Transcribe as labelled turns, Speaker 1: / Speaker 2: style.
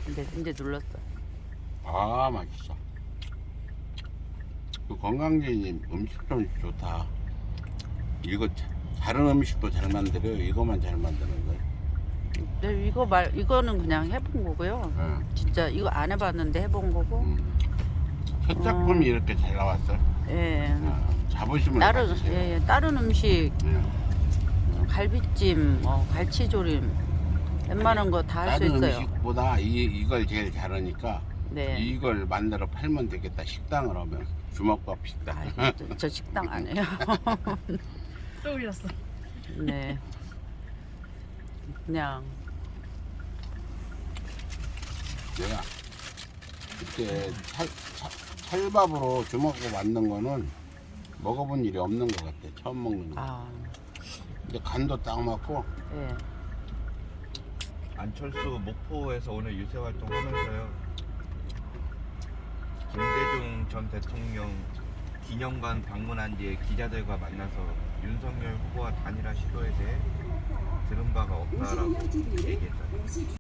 Speaker 1: 이제 눌렀어.
Speaker 2: 아, 맛있어. 그 건강제님 음식 좀 좋다. 이거 다른 음식도 잘 만들어요. 이거만 잘 만드는 거예요.
Speaker 1: 네, 이거는 그냥 해본 거고요.
Speaker 2: 예.
Speaker 1: 진짜 이거 안 해봤는데 해본 거고.
Speaker 2: 첫 작품이 이렇게 잘 나왔어요.
Speaker 1: 예.
Speaker 2: 자부심을
Speaker 1: 다른
Speaker 2: 가지세요.
Speaker 1: 예, 다른 음식
Speaker 2: 예.
Speaker 1: 갈비찜, 갈치조림 웬만한 거 다 할 수
Speaker 2: 다른
Speaker 1: 있어요.
Speaker 2: 음식보다 이걸 제일 잘하니까
Speaker 1: 네.
Speaker 2: 이걸 만들어 팔면 되겠다. 식당을 하면 주먹밥 식당.
Speaker 1: 아, 저 식당 안 해요.
Speaker 3: 또 올렸어.
Speaker 1: 네. 그냥
Speaker 2: 내가 그때 찰밥으로 주먹밥 만든 거는 먹어본 일이 없는 것 같아. 처음 먹는 거.
Speaker 1: 아,
Speaker 2: 근데 간도 딱 맞고.
Speaker 1: 예.
Speaker 4: 안철수 목포에서 오늘 유세 활동하면서요. 김대중 전 대통령 기념관 방문한 뒤에 기자들과 만나서 윤석열 후보와 단일화 시도에 대해 들은 바가 없다라고 얘기했잖아요.